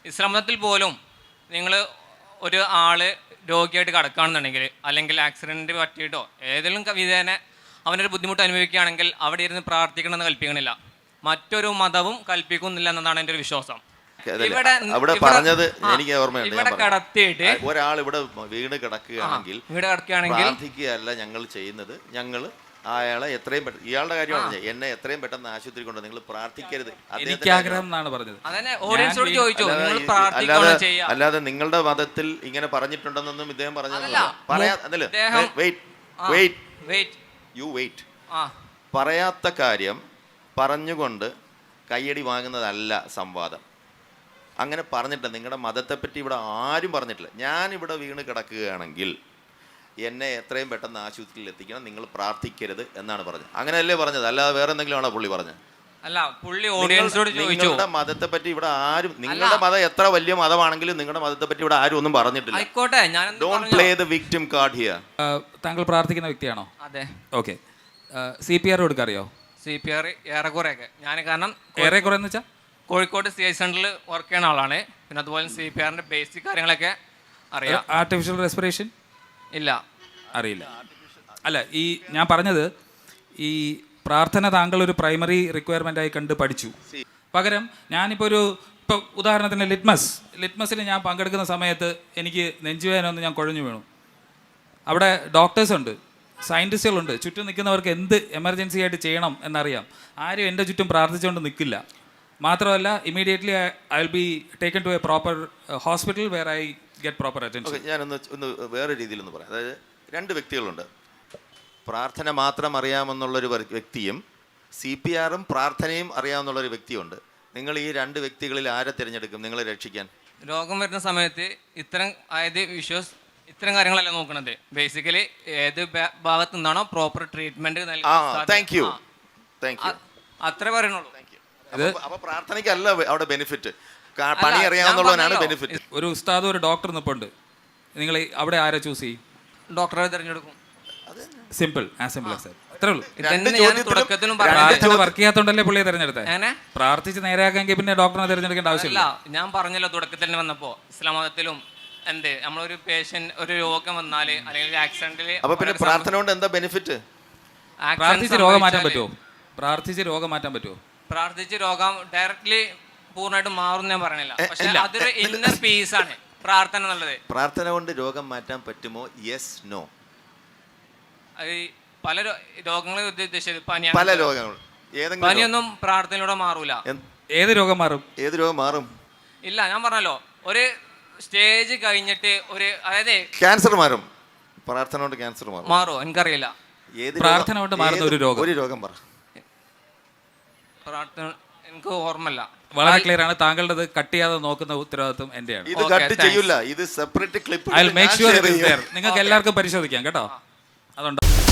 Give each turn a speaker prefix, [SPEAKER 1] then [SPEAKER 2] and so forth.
[SPEAKER 1] ഇസ്ലാം മതത്തിൽ പോലും നിങ്ങൾ ഒരു ആള് രോഗിയായിട്ട് കിടക്കുകയാണെന്നുണ്ടെങ്കിൽ അല്ലെങ്കിൽ ആക്സിഡൻറ്റ് പറ്റിയിട്ടോ ഏതെങ്കിലും വിധേന അവനൊരു ബുദ്ധിമുട്ട് അനുഭവിക്കുകയാണെങ്കിൽ അവിടെ ഇരുന്ന് പ്രാർത്ഥിക്കണമെന്ന് കൽപ്പിക്കണില്ല. മറ്റൊരു മതവും കൽപ്പിക്കുന്നില്ല എന്നതാണ് എൻ്റെ ഒരു വിശ്വാസം.
[SPEAKER 2] ഇവിടെ പറഞ്ഞത് എനിക്ക് ഓർമ്മയുണ്ട്.
[SPEAKER 1] ഇവിടെ കിടത്തിയിട്ട്
[SPEAKER 2] ഒരാൾ ഇവിടെ വീണ് കിടക്കുകയാണെങ്കിൽ പ്രാർത്ഥിക്കുകയല്ല ഞങ്ങൾ ചെയ്യുന്നത്. ഞങ്ങൾ അയാളെ എത്രയും പെട്ടെന്ന്, ഇയാളുടെ കാര്യമാണ്, എന്നെ എത്രയും പെട്ടെന്ന് ആശുപത്രി കൊണ്ട് നിങ്ങൾ പ്രാർത്ഥിക്കരുത്. അല്ലാതെ നിങ്ങളുടെ മതത്തിൽ ഇങ്ങനെ പറഞ്ഞിട്ടുണ്ടെന്നൊന്നും ഇദ്ദേഹം പറഞ്ഞതല്ല. പറയാത്ത കാര്യം പറഞ്ഞുകൊണ്ട് കയ്യടി വാങ്ങുന്നതല്ല സംവാദം. അങ്ങനെ പറഞ്ഞിട്ടില്ല. നിങ്ങളുടെ മതത്തെപ്പറ്റി ഇവിടെ ആരും പറഞ്ഞിട്ടില്ല. ഞാനിവിടെ വീണ് കിടക്കുകയാണെങ്കിൽ എന്നെ എത്രയും പെട്ടെന്ന് ആശുപത്രിയിൽ എത്തിക്കണം, നിങ്ങൾ പ്രാർത്ഥിക്കരുത് എന്നാണ് പറഞ്ഞത്. അങ്ങനെയല്ലേ പറഞ്ഞത്, അല്ലാതെ വേറെ എന്തെങ്കിലും ആണോ പുള്ളി പറഞ്ഞത്?
[SPEAKER 1] അല്ല, പുള്ളി ഓഡിയൻസോട് ചോദിച്ചു.
[SPEAKER 2] നിങ്ങളുടെ മതത്തെ പറ്റി ഇവിടെ ആരും, നിങ്ങളുടെ മതം എത്ര വലിയ മതമാണെങ്കിലും നിങ്ങളുടെ മതത്തെ പറ്റി ഇവിടെ ആരും ഒന്നും പറഞ്ഞിട്ടില്ല.
[SPEAKER 1] ആയിക്കോട്ടെ,
[SPEAKER 2] don't play the victim card here.
[SPEAKER 3] താങ്കൾ പ്രാർത്ഥിക്കുന്ന വ്യക്തിയാണോ?
[SPEAKER 1] അതെ.
[SPEAKER 3] ഓക്കെ. CPR കൊടുക്കറിയോ?
[SPEAKER 1] CPR ഏറെക്കുറെയൊക്കെ ഞാൻ, കാരണം
[SPEAKER 3] ഏറെക്കുറെ എന്ന് വെച്ചാൽ
[SPEAKER 1] കോഴിക്കോട് CI സെന്ററിൽ വർക്ക് ചെയ്യുന്ന ആളാണ്. പിന്നെ അതുപോലെ CPRന്റെ ബേസിക് കാര്യങ്ങളൊക്കെ അറിയാം.
[SPEAKER 3] ആർട്ടിഫിഷ്യൽ റെസ്പിറേഷൻ
[SPEAKER 1] ഇല്ല,
[SPEAKER 3] അറിയില്ല. അല്ല, ഈ ഞാൻ പറഞ്ഞത് ഈ പ്രാർത്ഥന താങ്കൾ ഒരു പ്രൈമറി റിക്വയർമെൻ്റ് ആയി കണ്ട് പഠിച്ചു. പകരം ഞാനിപ്പോൾ ഇപ്പോൾ ഉദാഹരണത്തിന് ലിറ്റ്മസിൽ ഞാൻ പങ്കെടുക്കുന്ന സമയത്ത് എനിക്ക് നെഞ്ചുവേദന ഒന്ന് ഞാൻ കുഴഞ്ഞു വീണു. അവിടെ ഡോക്ടേഴ്സ് ഉണ്ട്, സയൻറ്റിസ്റ്റുകളുണ്ട്, ചുറ്റും നിൽക്കുന്നവർക്ക് എന്ത് എമർജൻസി ആയിട്ട് ചെയ്യണം എന്നറിയാം. ആരും എൻ്റെ ചുറ്റും പ്രാർത്ഥിച്ചുകൊണ്ട് നിൽക്കില്ല. മാത്രമല്ല, immediately I will be taken to a proper hospital where I get proper attention.
[SPEAKER 2] ഞാനൊന്ന് വേറെ രീതിയിലൊന്ന് പറയാം. അതായത് രണ്ട് വ്യക്തികളുണ്ട്. പ്രാർത്ഥന മാത്രം അറിയാമെന്നുള്ളൊരു വ്യക്തിയും CPRും പ്രാർത്ഥനയും അറിയാമെന്നുള്ളൊരു വ്യക്തിയുണ്ട്. നിങ്ങൾ ഈ രണ്ട് വ്യക്തികളിൽ ആരെ തിരഞ്ഞെടുക്കും നിങ്ങളെ രക്ഷിക്കാൻ?
[SPEAKER 1] രോഗം വരുന്ന സമയത്ത് ഇത്തരം കാര്യങ്ങളല്ല നോക്കണത്. ബേസിക്കലി ഏത് ഭാഗത്തു നിന്നാണോ പ്രോപ്പർ ട്രീറ്റ്മെന്റ് അത്രേ പറയണുള്ളൂ.
[SPEAKER 2] അപ്പൊ പ്രാർത്ഥനയ്ക്കല്ല അവിടെ ബെനിഫിറ്റ്, പണി അറിയാവുന്നതാണ് ബെനിഫിറ്റ്.
[SPEAKER 3] ഒരു ഉസ്താദും ഒരു ഡോക്ടർ നിൽപ്പുണ്ട്, നിങ്ങൾ അവിടെ ആരെ ചൂസ് ചെയ്യും?
[SPEAKER 1] ഡോക്ടറെ തിരഞ്ഞെടുക്കും.
[SPEAKER 3] Simple, as simple as that. അത്രേ ഉള്ളൂ.
[SPEAKER 1] പ്രാർത്ഥന
[SPEAKER 3] വർക്ക് ചെയ്യാത്തോണ്ടല്ലേ പുള്ളിയെ തിരഞ്ഞെടുത്തത്. പ്രാർത്ഥിച്ച് നേരെയാക്കെങ്കിൽ പിന്നെ ഡോക്ടറെ തിരഞ്ഞെടുക്കേണ്ട ആവശ്യമില്ല.
[SPEAKER 1] ഞാൻ പറഞ്ഞല്ലോ തുടക്കത്തിൽ തന്നെ വന്നപ്പോ, ഇസ്ലാം മതത്തിലും നമ്മളൊരു പേഷ്യന്റ് ഒരു രോഗം വന്നാല് അല്ലെങ്കിൽ ആക്സിഡന്റില്,
[SPEAKER 2] അപ്പൊ പിന്നെ പ്രാർത്ഥന കൊണ്ട് എന്താ ബെനിഫിറ്റ്?
[SPEAKER 3] പ്രാർത്ഥിച്ച് രോഗം മാറ്റാൻ പറ്റുമോ?
[SPEAKER 1] പ്രാർത്ഥിച്ച് രോഗം ഡയറക്ട്ലി പൂർണ്ണമായിട്ട് മാറും ഞാൻ പറയണില്ല. പക്ഷെ അതൊരു ഇന്നർ പീസ് ആണ് പ്രാർത്ഥന എന്നുള്ളത്.
[SPEAKER 2] പ്രാർത്ഥന കൊണ്ട് രോഗം മാറ്റാൻ പറ്റുമോ? Yes, no.
[SPEAKER 1] പല രോഗങ്ങളെ ഉദ്ദേശിച്ചത്
[SPEAKER 2] പല രോഗങ്ങൾ,
[SPEAKER 1] പനിയൊന്നും പ്രാർത്ഥനയിലൂടെ മാറൂല.
[SPEAKER 3] ഏത് രോഗം മാറും?
[SPEAKER 1] ഇല്ല, ഞാൻ പറഞ്ഞല്ലോ, ഒരു സ്റ്റേജ് കഴിഞ്ഞിട്ട് അതായത്
[SPEAKER 2] ക്യാൻസർ മാറും. പ്രാർത്ഥന കൊണ്ട് ക്യാൻസർ
[SPEAKER 1] മാറുമോ? എനിക്കറിയില്ല.
[SPEAKER 3] പ്രാർത്ഥന കൊണ്ട് മാറുന്ന ഒരു രോഗം പറ.
[SPEAKER 1] പ്രാർത്ഥന എനിക്ക് ഓർമ്മല്ല.
[SPEAKER 3] വളരെ ക്ലിയർ ആണ്. താങ്കളുടെ കട്ട് ചെയ്യാതെ നോക്കുന്ന ഉത്തരവാദിത്വം എന്റെയാണ്.
[SPEAKER 2] ഇത് കട്ട് ചെയ്യൂല, ഇത് separate clip.
[SPEAKER 3] I will make sure it is there. നിങ്ങൾക്ക് എല്ലാവർക്കും പരിശോധിക്കാം കേട്ടോ. അതുകൊണ്ട്